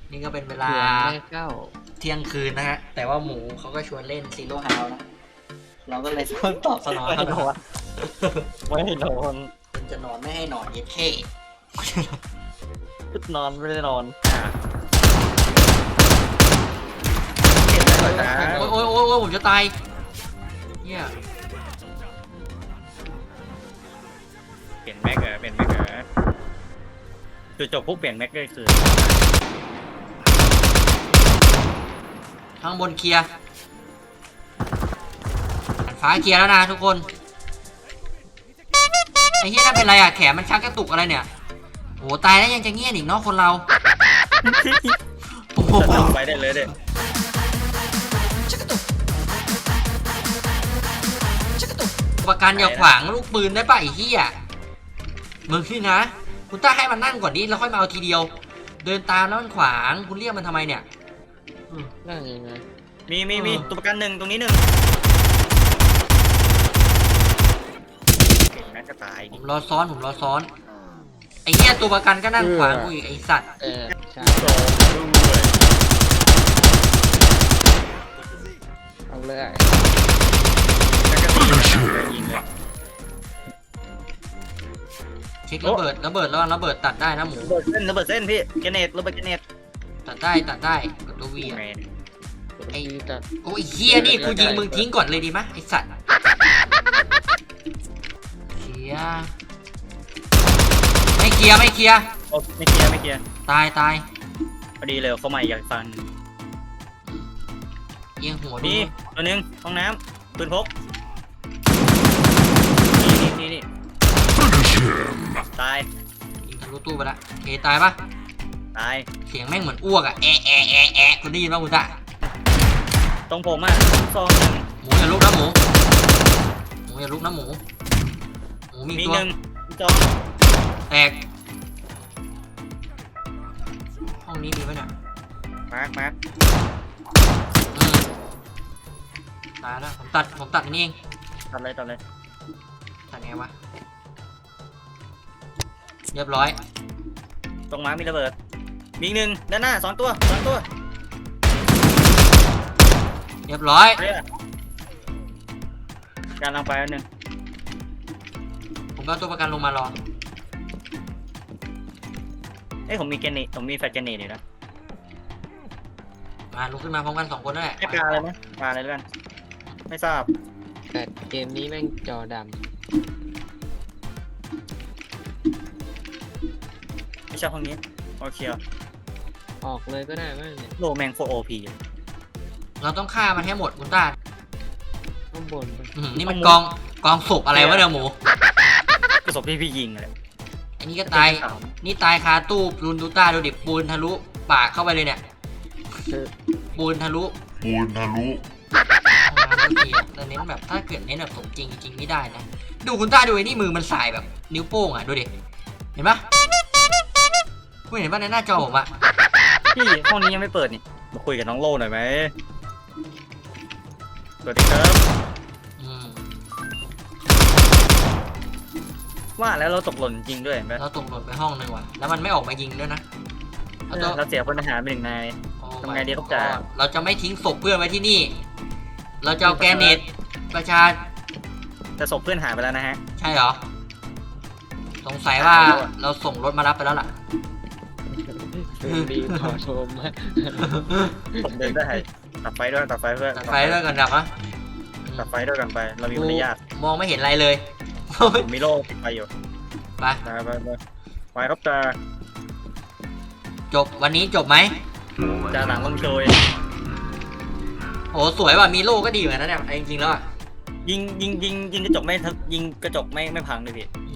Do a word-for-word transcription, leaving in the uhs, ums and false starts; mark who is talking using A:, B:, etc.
A: นี่ก็เป็นเวลาเที่ยงคืนนะฮะแต่ว่าหมูเขาก็ชวนเล่นซีโร่ฮาวนะเราก็เลยต้องตอบสนองเขาหน่อย
B: ไม่ให้นอน
A: คุณจะนอนไม่ให้นอนเย็ดเท่
B: นอนไม่ได้นอน
C: เห็นแล้วเหรอจ๊ะ
A: โอ้ยโอ้ยโอ้ยโอ้ยผมจะตายเฮีย
C: เปลี่ยนแม็กเหรอเปลี่ยนแม็กเหรอจุดจบปุ๊บเปลี่ยนแม็กเลยคือ
A: ข้างบนเคลียร์ฟ้าเคลียร์แล้วนะทุกคนไอ้เฮียนั่นเป็นไรอ่ะแขนมันชักกระตุกอะไรเนี่ยโอ้ตายแล้วยังจะเงียบอีกเนาะคนเราโอ้โห
C: ไปได้เลยเด็ด
A: ประกันอย่าขวางลูกปืนได้ป่ะไอ้เหี้ยมึงพี่นะคุณต้าให้มันนั่งก่อนดิแล้วค่อยมาเอาทีเดียว เดินตามแล้วมันขวางคุณเรียกมันทำไมเนี่ย
B: นั่งยังไง
C: มีมีมีตัวประกันหนึ่งตรงนี้หนึ่งเก่งนะก็ตาย
A: ผมรอซ้อนผมรอซ้อนไอ้เหี้ยตัวประกันก็นั่งขวางกูอีกไอ้สัตว์
B: เออใช่
C: สองด้วย
B: เอาเลย
C: แล้วก็ตียิงเลย
A: เช็คระเบิดระเบิดแล้วระเบิดตัดได้นะหมู
C: ระเบิดเส้นระเบิดเส้นพี่เกเนตระเบิดเกเนต
A: ตัดได้ตัดได้กดตัววีอะ
B: ไอ้ตัด
A: โอ้ยเหี้ยนี่กูยิงมึงทิ้งก่อนเลยดีมะไอ้สัตว์เคลียร์ไม่เคลียร์ไม่เคลียร์
C: โอ้ไม่เคลียร์ไม่เคลียร์
A: ตายตาย
C: พอดีเลยเขาใหม่อยากฟัง
A: เอียงหัวดู
C: นี่ตัวหนึงห้องน้ำปืนพกนี่นี่นี่นี่ตาย
A: ยิงทะลุตู้ไปละเคตายปะ
C: ตาย
A: เสียงแม่งเหมือนอ้วกอะแอะแอะแอะแอะคุณได้ยินป่ะคุณตา
C: ตรงผมอ่ะซองหนึ่ง
A: หมูอย่าลุกนะหมูหมูอย่าลุกนะหมูหมูมี
C: มี
A: ตัว
C: หนึ่งจอง
A: แตกห้องนี้มีปะเนี่ย
C: มาร์คมาร์ค
A: อืมตายแล้วผมตัดผมตัดอันนี่เอง
C: ตัดเลยตัดเลย
A: ตัดไงวะเรียบร้อย
C: ตรงมาร์คมีระเบิดมีอีกหนึ่งด้านหน้าสองตัวสองตัว
A: เรียบร้อย
C: เฮ้ยการลังไปอันหนึ่ง
A: ผมก็เอาตัวประกันลงมารอ
C: เอ้ยผมมีเกเนตผมมีแฟลชเกเนตอยู่นะ
A: มาลุกขึ้นมาพร้อมกันสองคนนั่นแหละ
C: ให้ปลาเลยไหมปลาเลยด้วยกันไม่ทราบ
B: แต่เกมนี้แม่งจอด
C: ไม่ใช่ห้องนี้โอเค
B: ำออกเลยก็ได้มั้งเนี่ย
C: โลแมงโฟโอพี
A: เราต้องฆ่ามันให้หมดคุณตา
B: ข้างบนไป
A: อื้อหือนี่มันกองกองศพอะไรวะเนี่ยหมู
C: กระสบที่พี่ยิงเลย
A: อันนี้ก็ตายนี่ตายคาตู้รุนดูต้าดูดิปูนทะลุปากเข้าไปเลยเนี่ย
B: เออ
A: ปูนทะลุ
D: ปูนทะลุ
A: ห้องน้ำก็เกียร์แต่เน้นแบบถ้าเกิดเน้นแบบสมจริงจริงไม่ได้นะดูคุณต้าดูไอ้นี่มือมันสายแบบนิ้วโป้งอ่ะดูดิเห็นปะคุณเห็นปะในหน้าจอผมอ่ะ
C: พี่ห้องนี้ยังไม่เปิดนี่มาคุยกับน้องโลหน่อยไหมสวัสดีครับ
A: อืม
C: ว่าแล้วเราตกหล่นจริงด้วยเห็นไหม
A: เราตกหล่นไปห้องหนึ่งว่ะแล้วมันไม่ออกมายิงด้วยนะเอาตัว
C: เราเสียพลทหารไปหนึ่งนาย
A: โอ้
C: ทำไงดีครับจ๋า
A: เราจะไม่ทิ้งศพเพื่อนไว้ที่นี่ เราจะเอาแกรเนตประชา
C: แต่ศพเพื่อนหายไปแล้วนะฮะ
A: ใช่เหรอสงสัยว่าเราส่งรถมารับไปแล้วล่ะ
B: ดีขอชม
C: ผมเดินได้ตัดไฟด้วยตัดไฟเพื่อน
A: ตัดไฟด้วยกันดับอ่ะ
C: ตัดไฟด้วยกันไป เรามีมารยาท
A: มองไม่เห็นอะไรเลย
C: ผมมีโล่ติดไฟอยู่
A: ไป
C: ไปไปไปไปครับจ่า
A: จบวันนี้จบไหม
C: จ่าหลังลงโชย
A: โอ้สวยว่ะมีโล่ก็ดีเหมือนกันนะเนี่ยจริงๆแล้วอ่ะ
C: ยิงยิงยิงยิงกระจกไม่ทัยิงกระจกไม่ไม่พังเลยพี่